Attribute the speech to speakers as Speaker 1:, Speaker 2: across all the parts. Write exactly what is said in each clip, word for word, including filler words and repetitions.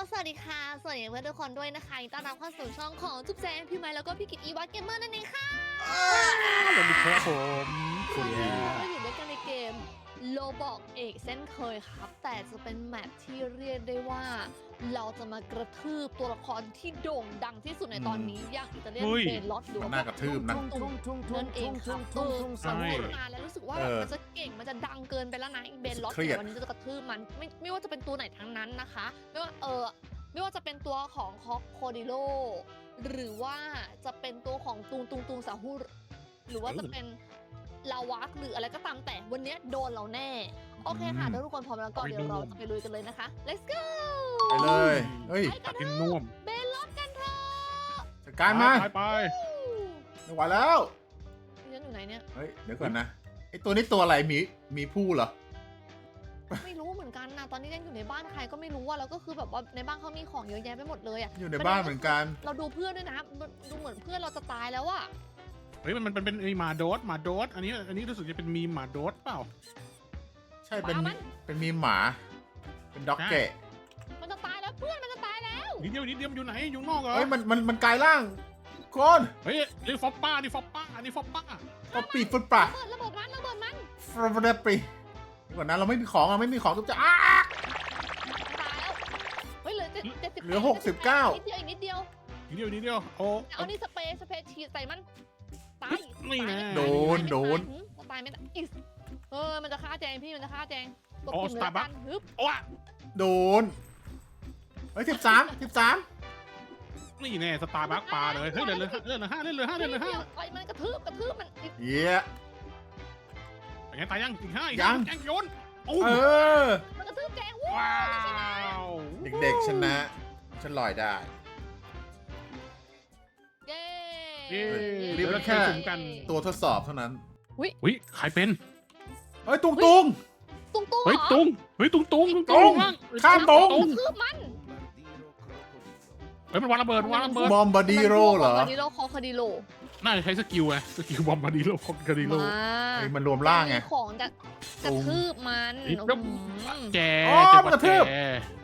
Speaker 1: สวัสดีค่ะสวัสดีเพื่อนทุกคนด้วยนะคะยินดีต้อนรับเข้าสู่ช่องของจุ๊บแจงพี่ไม้แล้วก็พี่กิตอีวัตเกมเมอร์นั่นเองค่ะ
Speaker 2: สวัสดีครับผมสวัสดี
Speaker 1: วัน
Speaker 2: ค
Speaker 1: นี้
Speaker 2: รับ
Speaker 1: เราก็อยู่ด้วยกันในเกมโลบอกเอกเส้นเคยครับ แต่จะเป็นแมปที่เรียกได้ว่า เราจะมากระทืบตัวละครที่โด่งดังที่สุดในตอนนี้อย่างอิตาเลียนเบนล็อตหรือ
Speaker 3: มัน
Speaker 1: ว่า
Speaker 3: น่ากระทืบนะ
Speaker 1: นั่นเองครับเออสังเกตนานแล้วรู้สึกว่า
Speaker 3: เออ
Speaker 1: มันจะเก่งมันจะดังเกินไปแล้วนะเบนล็อต
Speaker 3: เครียด
Speaker 1: วันนี้จะกระทืบมันไม่ไม่ว่าจะเป็นตัวไหนทั้งนั้นนะคะไม่ว่าเออไม่ว่าจะเป็นตัวของคอกโคดิโลหรือว่าจะเป็นตัวของตุงตุงตุงสาหูหรือว่าจะเป็นลาวักหรืออะไรก็ตามแต่วันนี้โดนเราแน่โอเคค่ะถ้าทุกคนพร้อมแล้วก็เดี๋ยวเราจะไปลุยกันเลยนะคะ let's go
Speaker 3: ไปเลยเฮ้ย
Speaker 1: ไปกัน
Speaker 2: กิน
Speaker 1: เถ
Speaker 2: น่ว
Speaker 1: อะ
Speaker 2: ม
Speaker 1: เบนล็อตกันเถอะ
Speaker 3: จัดการมา
Speaker 2: ไปไป
Speaker 3: ไม่ไหวแล้ว
Speaker 1: ฉันอยู่ไหนเนี่ย
Speaker 3: เฮ้ยเดี๋ยวก่อนนะไอตัวนี้ตัวอะไรมีมีผู้เหรอ
Speaker 1: ไม่รู้เหมือนกันนะตอนนี้ยังอยู่ในบ้านใครก็ไม่รู้อะแล้วก็คือแบบว่าในบ้านเขามีของเยอะแยะไปหมดเลยอะ
Speaker 3: อยู่ในบ้านเหมือนกัน
Speaker 1: เราดูเพื่อนด้วยนะดูเหมือนเพื่อนเราจะตายแล้วอะ
Speaker 2: เฮ้ยมันมันเป็นไอหมาโดสหมาโดสอันนี้อันนี้รู้สึกจะเป็นมีมหมาโดสเปล่า
Speaker 3: ใช่เป็นเป็นมีหมา เป็นด็อกเกะ
Speaker 1: มันจะตายแล้วเพื่อนมันจะตายแล้ว
Speaker 2: นิดเดียวนิดเดียวมันอยู่ไหนอยู่นอกเหรอ
Speaker 3: เฮ้ยมันมันมันกลายร่างคน
Speaker 2: เฮ้ยนี่ฟอปป้านี่ฟอปป้านี่ฟอปป้า
Speaker 3: ก็ปีฟุตปะ
Speaker 1: ระเบิดระเบิดมันระเบิดมัน
Speaker 3: ฟรเดปรีเดี๋ยวก่อนนะเราไม่มีของเราไม่มีของทุกจะอ้า
Speaker 1: ตายแล้วเฮ้ยเหลือเจ็ดเจ็ดสิบ
Speaker 3: เหลือหกสิบเก้า
Speaker 1: นิดเดียวอีกนิดเดียว
Speaker 2: นิดเดียวนิดเดียวโอ้
Speaker 1: เอานี่สเปรย์สเปรย์ฉีดใส่มันตาย
Speaker 2: นี่นะ
Speaker 3: โดนโดน
Speaker 1: ตายไม่ตายอิสเออมันจะฆ่าแจงพี่มันจะฆ่าแจงกด
Speaker 2: โอ้
Speaker 1: ปุ่ม
Speaker 2: ส
Speaker 1: เลย
Speaker 2: ตาร์
Speaker 1: ละ
Speaker 2: บั
Speaker 1: กั
Speaker 2: คน
Speaker 1: ฮึบ
Speaker 2: โอ้
Speaker 3: โดนเฮ้ยสิบสามสิบสาม
Speaker 2: นี่แน่สตาร์บัคปลาเลยเฮ้ยเล่นเลยเล่นเลยห้าเล่นเลยห้าเล่นเลยห้า
Speaker 1: ไอ้มันกระทืบกระทืบมันอิส
Speaker 3: เย้
Speaker 2: เป็นไงตายยังอีกห้าอีก
Speaker 3: ยัง
Speaker 2: แกงโยนโอ้
Speaker 3: เออ
Speaker 1: มันกระทืบแจงวู้
Speaker 2: ว้าว
Speaker 3: เด็กๆชนะฉันลอยได้
Speaker 1: เย้
Speaker 2: เย้
Speaker 3: รีบแล้วแค่
Speaker 2: สุ่มกัน
Speaker 3: ตัวทดสอบเท่านั้น
Speaker 2: อุ้ยใครเป็น
Speaker 3: เฮ้ยตุงตุง
Speaker 1: ตุ้งตุ้ง
Speaker 2: เฮ้ย
Speaker 1: เหรอ
Speaker 2: ตุงเฮ้ยตุงตุง
Speaker 3: ตุง
Speaker 2: ล่าง
Speaker 3: ข้ามตุง
Speaker 1: กระทืบมัน
Speaker 2: เฮ้ยมันวางระเบิดวางระเบิด
Speaker 3: บอมบาดีโร่เหรอ
Speaker 1: บอมบาดิโร่คอคาดิโล
Speaker 2: น่าจะใช้สกิลไงสกิลบอมบาดีโลคอมกาดีโล
Speaker 1: มา
Speaker 3: ไอ้มันรวมร่างไง
Speaker 1: มีของจะกระทืบมัน
Speaker 2: อีก
Speaker 1: อื้อ
Speaker 2: แล้ว
Speaker 1: หือ
Speaker 2: แจ
Speaker 3: อ๋อ
Speaker 2: จะ
Speaker 3: มันกระทืบ
Speaker 2: แจ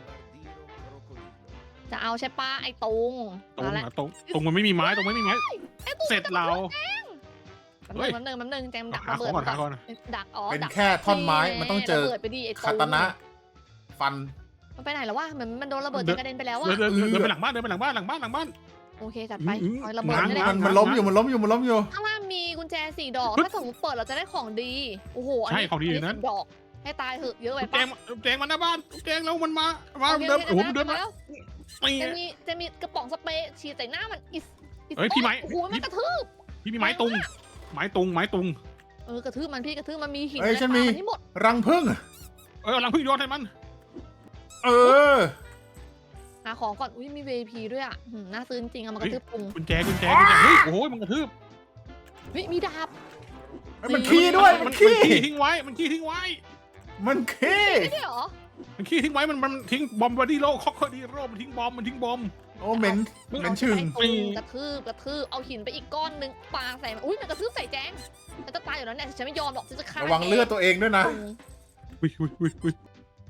Speaker 1: จะเอาใช่ปะไอ้ตุง
Speaker 2: ตรง
Speaker 1: มาแล้ว
Speaker 2: อะตรงตรงมันไม่มีไม้ตรงไม่มีไม้
Speaker 1: ไอ้ตุง
Speaker 2: เสร็จเรา
Speaker 1: แป๊บ
Speaker 2: เฮ้ย
Speaker 1: นึงแป๊บนึงแป๊บนึงแจมดัก
Speaker 2: หา
Speaker 1: ระ
Speaker 2: ข
Speaker 1: เบิ
Speaker 2: อง
Speaker 1: ด
Speaker 2: ก่อนหาก่อน
Speaker 1: ดักอ๋อ
Speaker 3: เป็น
Speaker 1: ดัก
Speaker 3: แค่ท่อนไม้ มันต้องเจอ
Speaker 1: ระเบิดไปดิไอ้ตุง
Speaker 3: คาตานะ ฟัน
Speaker 1: มันไปไหนแล้ววะเหมือนมันโดนระเบิดจนกระเด็นไปแล้ว
Speaker 2: เดิ
Speaker 1: อะ
Speaker 2: นเดินเดินเดินไปหลังบ้านเดินไปหลังบ้านหลังบ้านหลังบ้าน
Speaker 1: โอเคจัดไป
Speaker 2: อืม
Speaker 1: เอาระเบิด
Speaker 2: ง้าง
Speaker 1: ไม่ได้
Speaker 3: มันมันล้มอยู่ มันล้มอยู่ มันล้มอยู่
Speaker 1: ข้างล่างมีกุญแจสี่ดอก
Speaker 2: ปึ๊บ
Speaker 1: ถ้าสมมติเปิดเราจะได้ของดีโอ้โหน
Speaker 2: ใช่
Speaker 1: นี้
Speaker 2: ของดีอยู่นั้น
Speaker 1: สิบดอกให้ตายเหอะเยอะไป
Speaker 2: แจ
Speaker 1: ปะ
Speaker 2: งแจงมาหน้าบ้านแจงแล้วมันมามา
Speaker 1: โอเค
Speaker 2: เดิน
Speaker 1: โอเค
Speaker 2: โอ้โหมันเดินมา
Speaker 1: แล้ว
Speaker 2: นี่
Speaker 1: จะมีจะมีกระป๋องสเปรย์ฉีดใส่หน้ามันอิสอิส
Speaker 2: เฮ้ยพี่ไม้
Speaker 1: โอ้โหมันกระทืบ
Speaker 2: พี่มีไม้ตุงไม้ตุงไม้ตุง
Speaker 1: เออกระทืบมันพี่กระทืบมันมีหิน
Speaker 3: เอ้ย
Speaker 1: อะไร
Speaker 3: ฉัน
Speaker 1: ปา
Speaker 3: มี
Speaker 1: มันนี่หมด
Speaker 3: รังพึ่ง
Speaker 2: เออหลังพึ่งโยนให้มัน
Speaker 3: เออ
Speaker 1: หาของก่อนอุ้ยมี วี ไอ พี ด้วยอ่ะหืมน่าซื้อจริงๆเอามากระทืบปุง
Speaker 2: กุญแจกุญแจกุญแจเฮ้ยโอ้โหมันกระทืบ
Speaker 1: เฮ้ยมีดาบ
Speaker 3: เฮ้ยมันขี้ด้วย
Speaker 2: มั
Speaker 3: มัน น
Speaker 2: ขี้
Speaker 3: ขี้
Speaker 2: ทิ้งไว้มันขี้ทิ้งไว้
Speaker 3: มันขี้
Speaker 1: ไม่ได้เหรอ
Speaker 2: มันขี้ทิ้งไว้มันมันทิ้งบอมบาดีโลคอกดีโลมันทิ้งบอมมันทิ้งบอม
Speaker 3: โอ้เหม็นเหม็นชึง
Speaker 1: ไอ้ตุงกระทืบกระทืบเอาหินไปอีกก้อนนึงปาใส่มันอุ้ยมันกระทืบใส่แจงฉันจะตายอยู่แล้วเนี่ยฉันไม่ยอมหรอกฉันจะฆ่า
Speaker 3: ระวังเลือดตัวเองด้วยนะ
Speaker 1: ตุง
Speaker 2: อุ้ยอุ้ยอุ้ยอุ้ย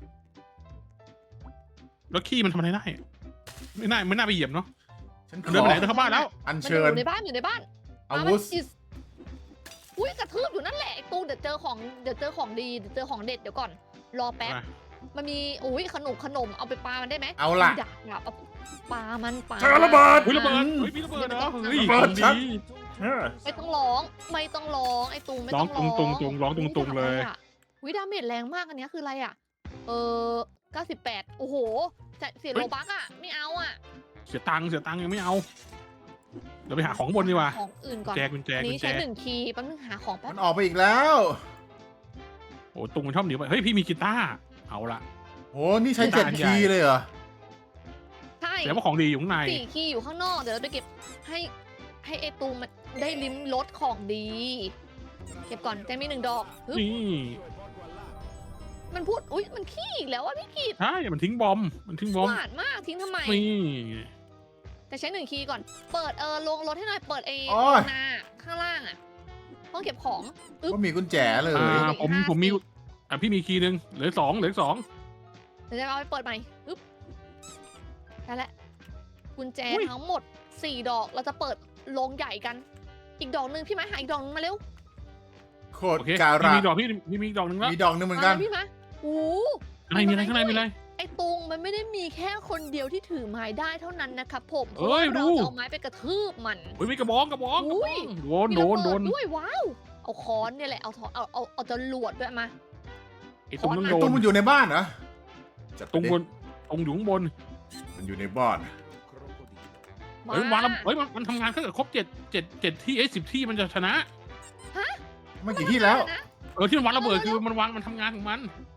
Speaker 2: แล้วขี้มันทำอะไรได้ไม่น่าไม่น่าไปเหยียบเนาะ
Speaker 3: ฉันข
Speaker 2: เดิน
Speaker 3: อ
Speaker 2: ไปไหนเดินเข้าบ้านแล้ว
Speaker 3: อัญ
Speaker 1: มันอ
Speaker 3: เชิญ
Speaker 1: ยู่ในบ้านอยู่ในบ้าน
Speaker 3: อาวุธ
Speaker 1: มมัน is อุ้ยกระทืบอยู่นั่นแหละไอ้ตูเดี๋ยวเจอของเดี๋ยวเจอของดีเดี๋ยวเจอของเด็ดเดี๋ยวก่อน รอแป๊บ มันมีอุ้ยขนมขนมเอาไปปามันได้ไหม
Speaker 3: เอาล่ะ
Speaker 1: ดักดักเอาปามันปา
Speaker 3: เจอระเบิด
Speaker 2: อุ้ยระเบิดเฮ้ยมีระเบิดเหรอเฮ้ย
Speaker 3: ระเบิด
Speaker 2: ของ
Speaker 3: ชัด
Speaker 2: ดี
Speaker 3: เออ
Speaker 1: ไม่ต้องร้องไม่ต้องร้องไอ้ตูไม่
Speaker 2: ร้
Speaker 1: ต้
Speaker 2: อ
Speaker 1: อง ง
Speaker 2: ตุงตุงตุงร้องตุงตุงเลย
Speaker 1: อุ้ยดาเมจแรงมากอันเนี้ยคืออะไรอ่ะ เออเก้าสิบแปดโอ้โหจะเสียโลบักอ่ะไม่เอาอ่ะ
Speaker 2: เสียตังค์เสียตังค์ยังไม่เอาเดี๋ยวไปหาของข้างบนดีกว่า
Speaker 1: ของอื่นก่อน
Speaker 2: แจกุญแจ
Speaker 1: อัน
Speaker 2: กุ
Speaker 1: นี้
Speaker 2: ญแจ
Speaker 1: ใช้หนึ่งคีย์แป๊บนึงหาของแป๊
Speaker 3: มั
Speaker 1: บ
Speaker 3: นออกไปอีกแล้ว
Speaker 2: โอ้ตุงมันชอบหนีไปเฮ้ยพี่มีกีตาร์เอาละ
Speaker 3: โห นี่ใช้เจ็ดคีย์เลยเหรอ
Speaker 1: ใช่
Speaker 2: แต่ว่าของดีอยู่ข้างใน
Speaker 1: สี่คีย์อยู่ข้างนอกเดี๋ยวเราไปเก็บให้ให้ไอตูมันได้ลิ้มรสของดี เก็บก่อนแจงมีหนึ่งดอกฮึบ
Speaker 2: นี่
Speaker 1: มันพูดอุ้ยมันขี้อีกแล้วอ่ะพี่กีด
Speaker 2: ใช่มันทิ้งบอมมันทิ้งบอม
Speaker 1: หวานมากทิ้งทำไม
Speaker 2: นี่
Speaker 1: แต่ใช้หนึ่งคีย์ก่อน เปิดเออลงรถให้หน่อย เปิดไอ้
Speaker 3: โอ้ย
Speaker 1: นาข้างล่างอ่ะ ห้องเก็บของ อึ๊บ
Speaker 3: ว่ามีกุญแจเลย
Speaker 2: อ่า
Speaker 1: สี่
Speaker 2: ผม
Speaker 1: ห้า
Speaker 2: ผมมี
Speaker 1: สี่
Speaker 2: อ่ะพี่มีคีย์หนึ่งเหลือสองเหลือสอง
Speaker 1: เดี๋ยวจะเอาไปเปิดใหม่ อึ๊บได้แล้วกุญแจ
Speaker 2: อุ๊ย
Speaker 1: ทั้งหมดสี่ดอกเราจะเปิดโรงใหญ่กัน อีกดอกหนึ่งพี่ไม้หาอีกดอกหนึงมาเร็ว
Speaker 3: โคตร
Speaker 2: โอเค
Speaker 3: การะ
Speaker 2: มีดอกพี่มีมีดอกหนึ่งแล้ว
Speaker 3: มีดอกหนึงเหมือนกัน
Speaker 1: มาพี่ไม้โอ้
Speaker 2: อะไรมีอะไรข้างในมีอะไร
Speaker 1: ไอ้ตุงมันไม่ได้มีแค่คนเดียวที่ถือไม้ได้เท่านั้นนะครับผมเพ
Speaker 2: เอ้
Speaker 1: ราะ
Speaker 2: ย
Speaker 1: ว่าเรา
Speaker 2: ดู
Speaker 1: จะเอาไม้ไปกระทืบมัน
Speaker 2: เฮ้ยมีกระบองกระบองกระบ
Speaker 1: อุ้
Speaker 2: อย งโดน
Speaker 1: มี
Speaker 2: โด
Speaker 1: ระ
Speaker 2: น
Speaker 1: เบิ
Speaker 2: โดน
Speaker 1: ด้วยว้าวเอาค้อนเนี่ยแหละเอาเอาเอาเอาเอาจรวดด้วยมา
Speaker 2: ไอ้ตรงนั้น
Speaker 1: ขอ
Speaker 2: โด
Speaker 3: ตุ้ม
Speaker 2: น
Speaker 3: มันอยู่ในบ้านเหรอจัดไป
Speaker 2: ตรง
Speaker 3: ดิ
Speaker 2: บนตรงอยู่ข้างบน
Speaker 3: มันอยู่ในบ้าน
Speaker 1: มา
Speaker 2: เฮ้ยมันวางระเฮ้ยมันมันทำงานถ้าเกิดครบเจ็ดเจ็ดเจ็ดที่เอ้สิบที่มันจะชนะ
Speaker 3: มันกี่ที่แล้ว
Speaker 1: นะ
Speaker 2: เออที่มันวางระเบิดคือมันวางมันทำงานของมัน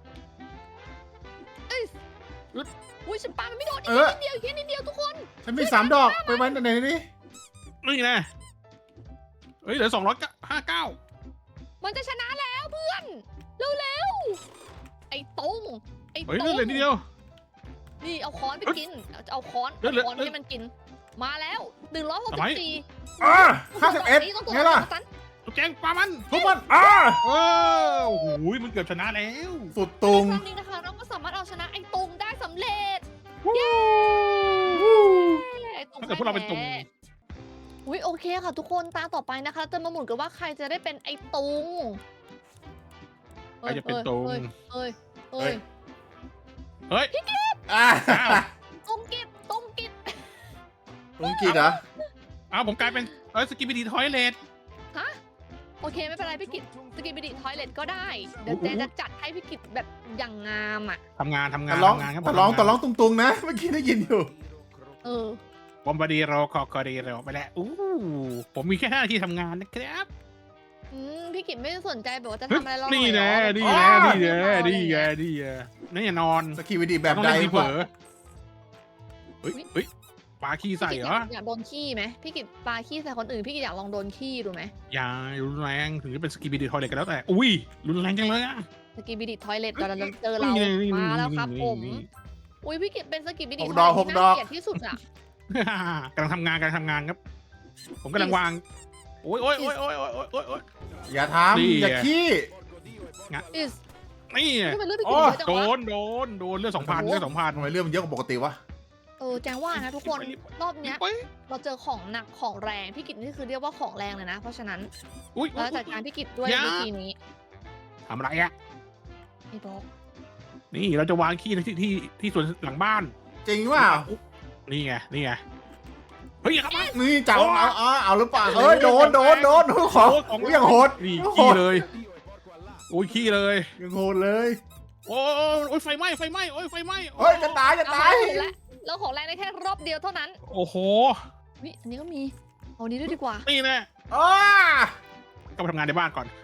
Speaker 1: อุ้ยฉันปามันไม่โดนอี
Speaker 3: เอก อ
Speaker 1: นิดเดียวอีกนิดเดียวทุกคน
Speaker 3: ฉันมีสามดอกไปไว้ในนี้
Speaker 2: นี่นะเฮ้ยเหลือสองร้อยห้าเก้า
Speaker 1: มันจะชนะแล้วเพื่อนเร็วๆไอ้ตุงไอ้
Speaker 2: เฮ้ย
Speaker 1: ตุ
Speaker 2: เหลือง นิดเดียว
Speaker 1: นี่เอาค้อนไปกินเอาเอาค้อน
Speaker 2: เดี๋ยว
Speaker 1: เอาค้อน
Speaker 2: เดี๋ยว
Speaker 1: ให้มันกิน มาแล้วหนึ่งร้อยหกสิ
Speaker 2: ทำไม
Speaker 1: บสี่
Speaker 3: อ่าห้าสิบเอ็ดไงล่ะ
Speaker 2: ตุ๊กแจงปลามัน
Speaker 3: ทุกมันอ่า
Speaker 2: เออโอ้โหมันเกือบชนะแล้ว
Speaker 3: สุดตุง
Speaker 1: ครั้งนี้นะคะเราก็สามารถเอาชนะไอ้ตุงได้สำเร็จ
Speaker 2: เย้
Speaker 1: ไอ้ตุง
Speaker 2: ถ้าเกิดพวกเราเป็นตุง
Speaker 1: แพ้อุ้ยโอเคค่ะทุกคนตาต่อไปนะคะจะมาหมุนกันว่าใครจะได้เป็นไอ้ตุง
Speaker 2: ใครจะเป็นตุง
Speaker 1: เอ้ยเอ้ยเอ้ย
Speaker 2: เฮ้ย
Speaker 3: อ่า
Speaker 1: ตุงกิบตุงกิบ
Speaker 3: ตุงกี่เหรอ
Speaker 2: อ้าวผมกลายเป็นเออสกิปปี้ดีทอยเลท
Speaker 1: ฮะโอเคไม่เป็นไรพี่กิตสกิปปิดิทอยเลทก็ได้เดี๋ยว
Speaker 2: โอ้
Speaker 1: เจ
Speaker 2: โห
Speaker 1: จะจัดให้พี่กิตแบบอย่างงามอ่ะ
Speaker 2: ทำงานทำงา
Speaker 3: แต่
Speaker 2: น
Speaker 3: ร้อง
Speaker 2: ทำงานครับผม
Speaker 3: แต่ร้อง
Speaker 2: ทำาน
Speaker 3: แต่ร้องตุงๆนะ เมื่อกี้ได้ยินอยู่
Speaker 1: เออ
Speaker 2: บอมบาดีโรคอคอดีโรไปแล้วอู้ผมมีแค่ห้านาทีทำงานนะครับ
Speaker 1: อืมพี่กิตไม่สนใจแบบว่าจะ
Speaker 2: เฮ้ย
Speaker 1: ทำอะไรเรา
Speaker 2: นี่
Speaker 1: ห
Speaker 2: แน่
Speaker 1: อยเหรอ
Speaker 2: นี่แน่
Speaker 3: อ๋อ
Speaker 2: นี่แน่นี่แน่นี่แน่นี่อย่านอน
Speaker 3: สกีวิดีแบบ
Speaker 2: ต้อง
Speaker 3: ใด
Speaker 2: เล่นทีเผล
Speaker 3: วะ
Speaker 2: อเฮ้ยเฮ้ยปลาขี้ใส่เหรอ
Speaker 1: พี่กิตอยากโดนขี้ไหมพี่กิตปาขี้ใส่คนอื่นพี่กิตอยากลองโดนขี้ดูไหม
Speaker 2: อย่ารุนแรงถึงจะเป็นสกิปปี้ดีทอยเลทกันแล้วแต่อุ้ยรุนแรงจังเลยอะ
Speaker 1: สกิปปิดิทอยเลทเราจะเจอเรา
Speaker 2: นี่นี่
Speaker 1: มาแล้วครับ
Speaker 2: นี่
Speaker 1: ผม
Speaker 2: นี่
Speaker 1: อุ้ยพี่กิตเป็นสกิปปิดิ
Speaker 3: หก
Speaker 1: ท
Speaker 3: ด
Speaker 1: อ
Speaker 3: อย ก
Speaker 1: เล
Speaker 3: ห
Speaker 1: ท
Speaker 3: ก
Speaker 1: ที่
Speaker 3: ด
Speaker 1: น่า
Speaker 3: อก
Speaker 1: เกลียดที่สุดอ่ะ
Speaker 2: กำลังทำงานกำลังทำงานครับ ผมกำลังวางโอ้ยโอ้ยโอ้ยโอ้ยโอ้ยโอ้ยโอ้ยโอ้ย
Speaker 3: อย่า
Speaker 2: นี่
Speaker 3: ทำอย่าขี้
Speaker 1: อิส
Speaker 2: นี่
Speaker 1: ทำไมเลือดพี่
Speaker 3: โอ้
Speaker 1: กิตเยอะจัง
Speaker 2: โด
Speaker 1: วะ
Speaker 2: นโดนโดนเลือดสองพันเลือดสองพัน
Speaker 3: ทำไมเรื่องมันเยอะกว่าปกติวะ
Speaker 1: เออแจงว่านะทุกคนรอบเนี้ย
Speaker 2: ไป
Speaker 1: เราเจอของหนักของแรงพี่กิตนี่คือเรียกว่าของแรงเลยนะ เพราะฉะนั้น
Speaker 2: อุ้ย
Speaker 1: เราจัดการพี่กิตด้วย
Speaker 2: อย่า
Speaker 1: วิธีนี้
Speaker 2: ทำอะไรอะ
Speaker 1: ไอ้บอก
Speaker 2: นี่เราจะวางขี้ในที่ที่ที่ส่วนหลังบ้าน
Speaker 3: จริงว่า
Speaker 2: นี่ไงนี่ไงเฮ้ยอย่าเข้ามา
Speaker 3: นี่จับเอาเอาเอาหรือเปล่าเอ้ยโดนโดนโดนของยังโหด
Speaker 2: นี่ขี้เลยโอ้ยขี้เลย
Speaker 3: ยังโหดเลย
Speaker 2: โอ้ยโอ้ยไฟไหม้ไฟไหม้โอ้ยไฟไหม้
Speaker 3: เฮ้ยจะตายจะ
Speaker 1: เอา
Speaker 3: ตาย
Speaker 1: ไปแล้วเราของแรงได้แค่รอบเดียวเท่านั้น
Speaker 2: โอ้โห
Speaker 1: วิอันนี้ก็มีเอาอันนี้ด้วยดีกว่า
Speaker 2: นี่แน่
Speaker 3: อ้า
Speaker 2: ก็ไปทำงานในบ้านก่อน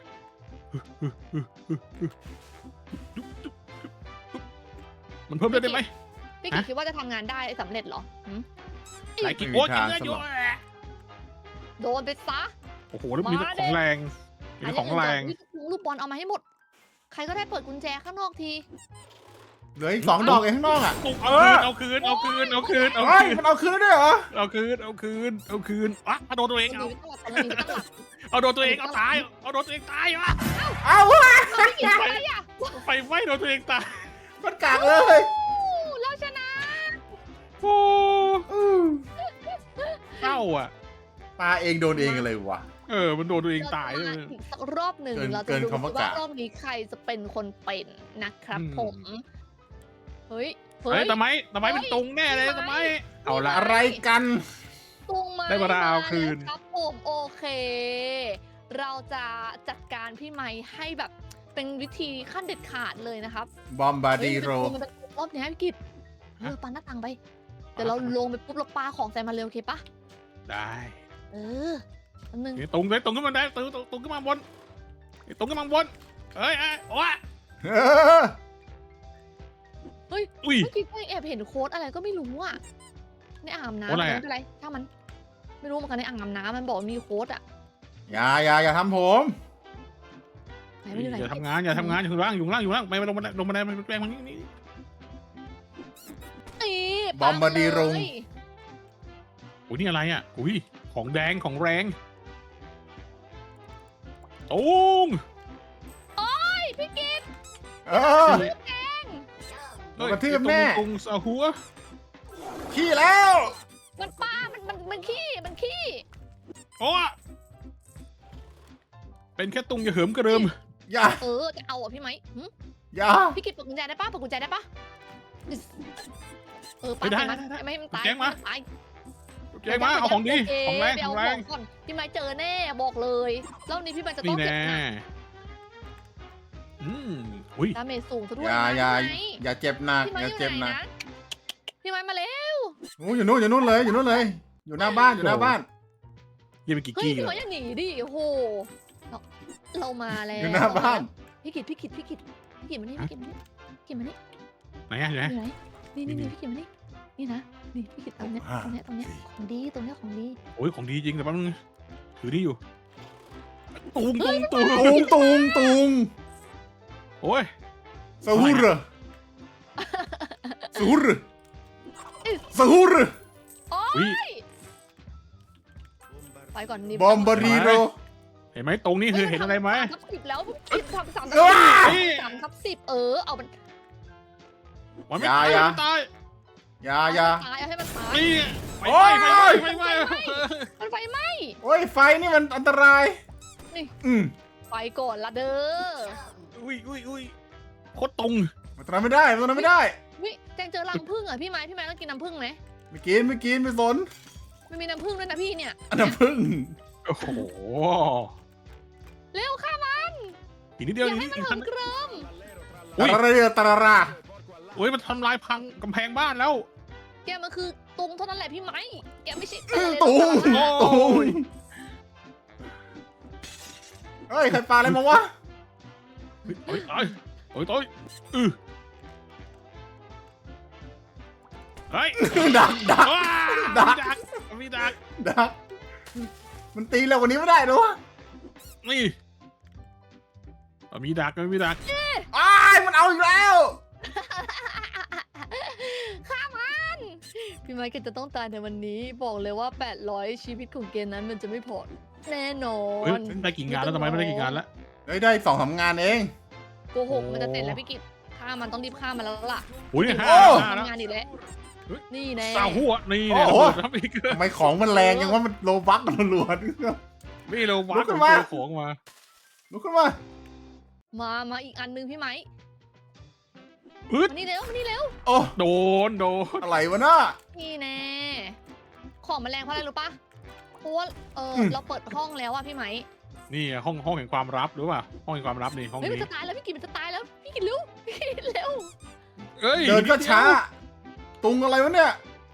Speaker 2: มันเพิ่มเลือดได้ไหม
Speaker 1: พี่กิตคิดว่าจะทำงานได้สำเร็จเหรอหืม
Speaker 2: ไหนกินโอ้ยกินเลือดอยู่
Speaker 1: โดนไปซะ
Speaker 2: โอ้โหแล้วมีแต่ของแรงมีแต่ของแรง
Speaker 1: วิลูกบอลเอามาให้หมด ใครก็ได้เปิดกุญแจข้างนอกที
Speaker 3: เหลืออีกสองดอกเองข้างนอกอ่ะ
Speaker 2: เอาคืนเอาคืนเอาคืนเอาคืนเอา
Speaker 3: เฮ้ย
Speaker 2: คืน
Speaker 3: มันเอาคืนด้วยเหรอ
Speaker 2: เอาคืนเอาคืนเอาคืนอ่ะเอาโดนตัวเอง
Speaker 1: มัน
Speaker 2: เอา
Speaker 1: มีไม่ต้องหลับมันมีไม่ต้องหลับ
Speaker 2: เอาโดนตัวเองเอาตายเอาโดนตัวเองตายอ่ะ
Speaker 3: เอาวะ
Speaker 1: เอาพี่กิตอะไรอ่ะ
Speaker 2: ไฟไหม้โดนตัวเองตาย
Speaker 3: มันกากเลย
Speaker 1: อู้เราชนะ
Speaker 2: โอ้
Speaker 3: อือ
Speaker 2: เศร้าอ่ะ
Speaker 3: ปลาเองโดนเองเลยวะ
Speaker 2: เออมันโดนตัวเองตายเลย
Speaker 1: เรจะมอีกสักรอบหนึ่ง
Speaker 3: เกิน
Speaker 1: เราจะ
Speaker 3: เกิน
Speaker 1: ดู
Speaker 3: คำว่า
Speaker 1: ว่าก
Speaker 3: ะ
Speaker 1: รอบนี้ใครจะเป็นคนเป็นนะครับ
Speaker 2: อืม
Speaker 1: ผม เฮ้ย
Speaker 2: เฮ้ยทำไมทำไมเป็นตุงแน่เลยทำไมเอาละ
Speaker 3: อะไรกัน
Speaker 1: ตุงมา
Speaker 2: ได้เวลาเอาคืน
Speaker 1: ครับผมโอเค เราจะจัดการพี่ไม้ให้แบบเป็นวิธีขั้นเด็ดขาดเลยนะครับ
Speaker 3: บอมบาดีโร
Speaker 1: เฮ้ยมันเป็นรอบเนี้ยพี่กิตเออปาหน้าต่างไป เดี๋ยวเราลงไปปุ๊บเราปาของใส่มาเร็วโอเคปะ
Speaker 2: ได้
Speaker 1: เอออันนึง
Speaker 2: ตุงเลยตุงขึ้นมาได้ตุงตุงขึ้นมาบนตุงขึ้นมาบนเฮ้ยโอ้ย
Speaker 3: เออ
Speaker 2: อุ้ย
Speaker 1: เมื่อกี้แอบเห็นโค้ดอะไรก็ไม่รู้อ่ะในอ่างอาบน้ำ
Speaker 2: โค้ดอะไรอะ
Speaker 1: ไม่เป็นไรถ้ามัน ไม่รู้เหมือนกันในอ่างอาบน้ำมันบอกว่ามีโค้ดอ่ะ
Speaker 3: อย่าอย่าอย่าทำผม
Speaker 1: ไหนไม่อยู่ไหน
Speaker 2: อย่าทำงานอย่าทำงานอยู่ล่างอยู่ล่างอยู่ล่างไปลงมาลงมาได้ไปแปลงมันนี่นี่
Speaker 1: นี่
Speaker 3: บอมบาดีโรง
Speaker 1: เลย
Speaker 2: โอ้ยนี่อะไรอ่ะอุ้ยของแดงของแรงตุง
Speaker 1: เฮ้ยพี่กิต
Speaker 3: เออ กระทืบแน่
Speaker 2: ตุงสาหัว
Speaker 3: ขี้ขี้แล้ว
Speaker 1: มันปลามันมันมันขี้มันขี้
Speaker 2: โอ้เป็นแค่ตุงอย่าเหิมกระเริม
Speaker 3: อย่า
Speaker 1: เออจะเอาอ่ะพี่ไหมหึ
Speaker 3: อย่า
Speaker 1: พี่กิจเปิดกุญแจได้ปะเปิดกุญแจได้ปะเออปา
Speaker 2: ไม่ได้
Speaker 1: มัน
Speaker 2: ได้ได้
Speaker 1: ไม่ให้มันตาย
Speaker 2: แจ้งมา
Speaker 1: ไตาย
Speaker 2: เจ๊มาเอาของดี
Speaker 1: โเค
Speaker 2: ของแรง
Speaker 1: ไป
Speaker 2: ข
Speaker 1: เอา
Speaker 2: องแร
Speaker 1: ของ งก่อนพี่ไม้เจอแน่บอกเลยรอบนี้พี่ไม้จะต้
Speaker 2: นี่
Speaker 1: องเก็
Speaker 2: แน่
Speaker 1: บหนัก
Speaker 2: อืมอุ้ย
Speaker 1: ดาเมจสูงซะด้ว
Speaker 3: อย ย่า
Speaker 1: นะ
Speaker 3: อย่า
Speaker 1: พี่ไม้
Speaker 3: อย่าเจ็บหนัก
Speaker 1: พี่ไม้
Speaker 3: อ
Speaker 1: อยู่
Speaker 3: ย่าเจ็บ
Speaker 1: ไหน
Speaker 3: หนัก
Speaker 1: นะพี่ไม้มาเร็ว
Speaker 3: โอ้อยู่นู่นอยู่นู่นเลยอยู่นู่นเลย อยู่หน้าบ้านอยู่หน้าบ้าน
Speaker 2: ยังไปกี่
Speaker 1: เฮ้ย
Speaker 2: กี้
Speaker 1: พี่
Speaker 2: เล
Speaker 1: ไม้
Speaker 2: ย
Speaker 1: อย่าหนีดิโอ้โหเราเรามาแล้ว
Speaker 3: อยู่หน้าบ้าน
Speaker 1: พี่กิจพี่กิจพี่กิจพี่กิจมานี่พี่กิจมานี่พี่กิจมานี่
Speaker 2: ไหนอะอยู่ไหน
Speaker 1: อยู่ไหนนี่นี่นี่พี่กิจมานี่นี่นะนี่พี่กิจตรงเนี้ยตรงเนี้ยตรงเนี้ยของดีตรงเนี้ยของดี
Speaker 2: โอ้ยของดีจริงแต่แป๊บนึงถือนี่อยู่ตุงตุงตุง
Speaker 3: ตุงตุงตุง
Speaker 2: โอ้ย
Speaker 3: สะหุรสะหุรสะหุร
Speaker 2: อุ้ย
Speaker 1: ไปก่อนนี่
Speaker 3: บอมบารีโร
Speaker 2: เห็นไหมตรงนี้คือเห็นอะไรไหม
Speaker 1: สามทับสิบแล้วพี่กิจทำสามทับ
Speaker 3: ว้า
Speaker 1: สิบสามทับสิบเออเอามัน
Speaker 2: มันไม่ตาย
Speaker 3: อย่า
Speaker 2: มันไม่ตาย
Speaker 3: อย่าอย่า
Speaker 1: ตายเอาให้มันตาย
Speaker 2: นี่ไฟ
Speaker 3: โอ้
Speaker 2: ไหม้
Speaker 3: ย
Speaker 2: ไฟไหม้ไฟไหม้
Speaker 1: มันไฟไหม้
Speaker 3: โอ้ยไฟนี่มันอันตราย
Speaker 1: นี่
Speaker 3: อืม
Speaker 1: ไปก่อนละเด้อ
Speaker 2: อุ้ยอุ้ยอุ้ยโคตรตรง
Speaker 3: มันทำไม่ได้มันทำไม่ได้
Speaker 1: วิแจงเจอรังผึ้งอ่ะพี่ไม้พี่ไม้ต้องกินน้ำผึ้งไหม
Speaker 3: ไม่กินไม่กินไม่สน
Speaker 1: มันมีน้ำผึ้งด้วยนะพี่เนี่ย
Speaker 3: อันดับพึ่ง
Speaker 2: โอ้โห
Speaker 1: เร็วค่ะมัน
Speaker 2: อีกนิด
Speaker 1: อ
Speaker 2: เดียว
Speaker 1: ย่า
Speaker 2: อีก
Speaker 1: ให้
Speaker 2: นิด
Speaker 1: มันเหิมเกริม
Speaker 2: อุ้ย
Speaker 3: ตะระเรือตะระรา
Speaker 2: โอ้ยมันทำลายพังกำแพงบ้านแล้ว
Speaker 1: แกมันคือตุงเท่านั้นแหละพี่ไม้แกไม่ใช่
Speaker 3: อื้อ
Speaker 1: อะไร
Speaker 3: ตุง
Speaker 1: หรอก
Speaker 3: ตุงเฮ้ยใครปาอะไรมาวะ
Speaker 2: โอ้ยตายโอ้ยตายอือเฮ้ย
Speaker 3: ดักดัก
Speaker 2: ว้า
Speaker 3: ดัก
Speaker 2: มีดักมีดัก
Speaker 3: ดักมันตีเร็วกว่านี้ไม่ได้หรอวะ
Speaker 2: นี่เอามีดักมีดัก
Speaker 3: อ้ายมันเอาอีกแล้ว
Speaker 1: ฆ่ามันพี่ไม้แกจะต้องตายในวันนี้บอกเลยว่าแปดร้อยชีวิตของเกมนั้นมันจะไม่พอแน่นอ
Speaker 2: เฮ้ย
Speaker 1: น
Speaker 2: ได้กี่งานแล้วทำไมไม่ได้กี่งานแล้ว
Speaker 3: เฮ้ยได้สองสามงานเอง
Speaker 1: โกหกมันจะเสร็จแล้วพี่กิตฆ่ามันต้องรีบฆ่ามันแล้วล่ะ
Speaker 2: โอ้ยห้า
Speaker 3: โอ้
Speaker 2: ห้าแล้ว
Speaker 1: ทำงานอีกแล้ว
Speaker 2: เฮ้ย
Speaker 1: นี่แน่
Speaker 2: สาวหัวนี่เนี่ย
Speaker 3: โอ้โห
Speaker 2: ทำอีก
Speaker 3: ทำไมของมันแรงยังว่ามันโลบักมันล้วน
Speaker 2: ไม่เราวั
Speaker 3: ลุ
Speaker 2: ด
Speaker 3: กขึ้
Speaker 2: เจ
Speaker 3: นมา
Speaker 2: อของมา
Speaker 3: ลุกขึ้นมา
Speaker 1: มามาอีกอันนึงพี่ไม้
Speaker 2: ฮึด
Speaker 1: มานี่เร็วมานี่เร็ว
Speaker 3: โอ้
Speaker 2: โดนโดน
Speaker 3: อะไรวะน่ะ
Speaker 1: นี่แน่ของมันแรงเพราะอะไรรู้ปะเพราะว่าเออ
Speaker 3: อืม
Speaker 1: เราเปิดห้องแล้วอะพี่ไม้
Speaker 2: นี่ห้องห้องแห่งความลับหรือเปล่าห้องแห่งความลับนี่ห้อง
Speaker 1: เฮ้ยมัน
Speaker 2: นี้
Speaker 1: จะตายแล้วพี่กิตมันจะตายแล้วพี่กิตเร็วพี่กิตเร็ว
Speaker 2: เอ้ย
Speaker 3: เดินก็ช้า ตุงอะไรวะเนี่ย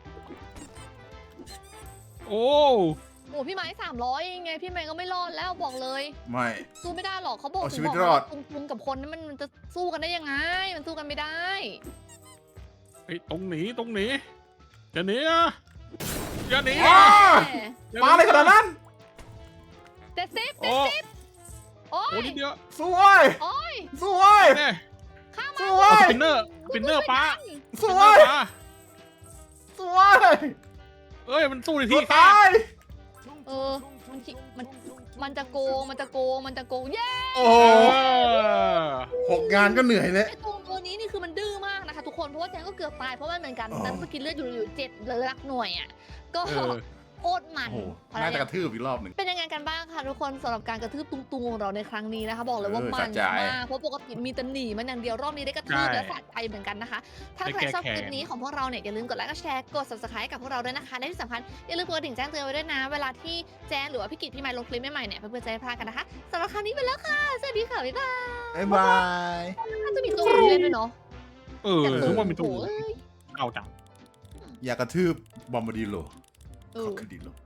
Speaker 2: โอ้
Speaker 1: โอ้พี่ไม้สามร้อยยังไงพี่ไม้ก็ไม่รอดแล้วบอกเลย
Speaker 3: ไม่
Speaker 1: สู้ไม่ได้หรอกเขาบอก
Speaker 3: เอา
Speaker 1: ถึ
Speaker 3: ชี
Speaker 1: ง
Speaker 3: วิต
Speaker 1: บอก
Speaker 3: รอด
Speaker 1: ว่าตุงตุงกับคนนั้นมันมันจะสู้กันได้ยังไง มันสู้กันไม่ได้
Speaker 2: ไอ้ยตรงหนีตรงหนีจะหนีอ่ะจะหนี
Speaker 3: อ้า
Speaker 1: แหม
Speaker 2: อย่
Speaker 3: มาอะไรขนาดนั้น
Speaker 1: เจ็ดสิบ
Speaker 2: โอ้
Speaker 1: โอ้
Speaker 2: โอ้
Speaker 1: ย
Speaker 2: นิดเดียว
Speaker 3: สู้เว้ย
Speaker 1: โอ้ย
Speaker 3: สู้เว้ย
Speaker 2: เนี่ย
Speaker 1: ข้าม
Speaker 3: สู้
Speaker 1: มา
Speaker 3: เว้
Speaker 2: ส
Speaker 3: ย
Speaker 2: ปินเนอร์สปินเนอร์ป้า
Speaker 3: สู้
Speaker 2: สปินเนอ
Speaker 3: เว้ย
Speaker 2: ร์ป้า
Speaker 3: สู้เว้ย
Speaker 2: เอ้ยมันสู้ใน
Speaker 3: ตั
Speaker 2: ที่
Speaker 3: ว
Speaker 2: แค
Speaker 3: ตา
Speaker 2: บ
Speaker 3: ย
Speaker 1: เออมันคิมันมันจะโกงมันจะโกงมันจะโกงเย้
Speaker 3: โอ้
Speaker 2: เอ
Speaker 3: โห
Speaker 2: อ
Speaker 3: หกงานก็เหนื่อยเลย
Speaker 1: ไอ้ตัวตัวนี้นี่คือมันดื้อมากนะคะทุกคนเพราะว่าแจงก็เกือบตายเพราะว่าเหมือนกัน
Speaker 3: อ๋อ
Speaker 1: นั้นสกินเลือดอยู่อยู่เจ็ดเลยรักหน่วยอ่ะก็
Speaker 2: เออ
Speaker 1: โคตรมัน
Speaker 3: โอ้โห
Speaker 1: พอ
Speaker 3: น่า
Speaker 1: แล้ว
Speaker 3: จะกระทืบอีกรอบหนึ่ง
Speaker 1: เป็นยังไงกันบ้างคะทุกคนสำหรับการกระทืบตุงตุงของเราในครั้งนี้นะคะ บอกเลยว่า
Speaker 3: เออ
Speaker 1: มัน
Speaker 3: สะใจ
Speaker 1: มากเพราะปกติมีแต่หนีมันอย่างเดียวรอบนี้ได้กระทืบ
Speaker 2: ใช่
Speaker 1: และสะใจเหมือนกันนะคะ ถ้า
Speaker 2: ได้
Speaker 1: ใคร
Speaker 2: แก้
Speaker 1: ชอบคลิป
Speaker 2: แค้น
Speaker 1: นี้ของพวกเราเนี่ยอย่าลืมกดไลค์กดแชร์กด subscribe กับพวกเราด้วยนะคะและที่สำคัญอย่าลืมกดกระดิ่งแจ้งเตือนไว้ด้วยนะ เวลาที่แจ้งหรือว่าพี่กิจพี่ไมค์ลงคลิปใหม่ๆเนี่ยเพื่อนๆจะได้ไม่พลาดกันนะคะสำหรับครั้งนี้ไปแล้วค่ะสวัสดีค่ะบ๊ายบาย
Speaker 3: บ๊ายบาย
Speaker 1: น่าจะมีตัวอื่นเล่นด้วยเนาะ
Speaker 2: เออถึงว่ามีตัว
Speaker 1: โอ้ย
Speaker 2: เอาจัง
Speaker 3: อย่ากระทืบบอมบ์ดีโล
Speaker 1: เอ
Speaker 3: ขอ
Speaker 1: อ
Speaker 3: คือดีโล